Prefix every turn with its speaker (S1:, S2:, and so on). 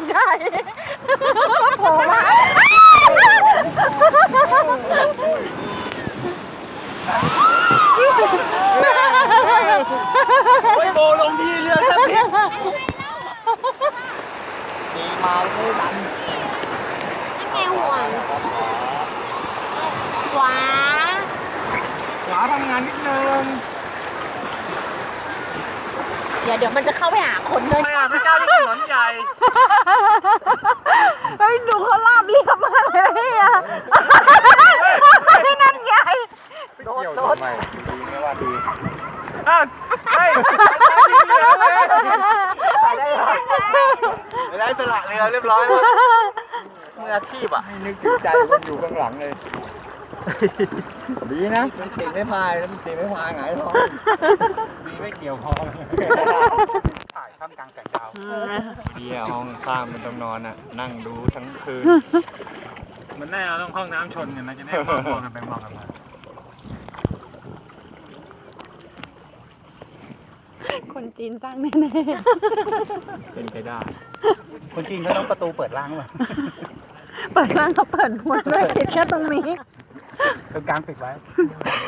S1: ใช่โผล่มา
S2: โบลงที่เรือครับพี่มีมาไม่ดัน
S1: แกห่วงขวา
S2: ขวาทำงานนิดนึง
S1: เดี๋ยวมันจะเข้าไปหาคนเลย
S2: ไม่อ่ะพี่เจ้าที่ถนนใหญ่
S1: เฮ้ยดูเขาลาบเรียบมากเลยพี่อะนั่นใหญ่
S2: โดดโดดดีไม่ว่าดีอ้าวเฮ้ยใส่ได้ไหมไม่ได้สละเรือเรียบร้อยมืออาชีพอ่ะให้นึกถึงใจมันอยู่ข้างหลังเลยดีนะมันตีไม่พายแล้วมันตีไม่พายหงายท้องดีไม่เกี่ยวคอถ่ายท่ามกลางแสงดาวดีอ่ะห้องข้างมันต้องนอนอ่ะนั่งดูทั้งคืนมันแน่เราต้องห้องน้ำชนกันนะจะแน่มองกันไปมองกันมา
S1: คนจีนสร้างแน่
S2: เป็นไปได้คนจีนเขาต้องประตูเปิดล่างป่ะ
S1: ๆเปิดร่างเขาเปิดหมดเลยแค่ตรงนี้
S2: ตรงกลางปิดไว้